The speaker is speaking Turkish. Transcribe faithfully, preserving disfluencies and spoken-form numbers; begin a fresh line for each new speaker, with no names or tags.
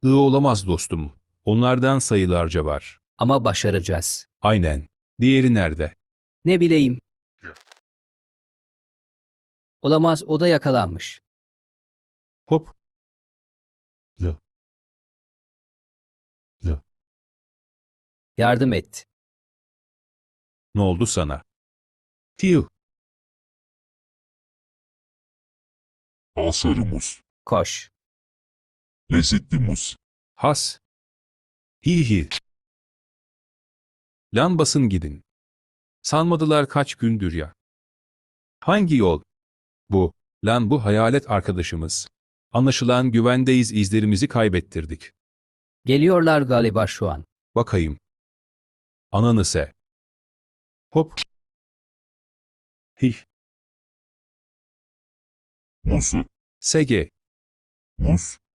I olamaz dostum. Onlardan sayılarca var.
Ama başaracağız.
Aynen. Diğeri nerede?
Ne bileyim. Olamaz, o da yakalanmış.
Hop. L. L.
Yardım et.
Ne oldu sana? Tiu.
Al sarı muz.
Koş.
Lezzetli muz.
Has. Hi hi. Lan basın gidin. Sanmadılar kaç gündür ya. Hangi yol? Bu. Lan bu hayalet arkadaşımız. Anlaşılan güvendeyiz, izlerimizi kaybettirdik.
Geliyorlar galiba şu an.
Bakayım. Ananı se. Hop. Hih.
Muzu.
Sege.
Muz.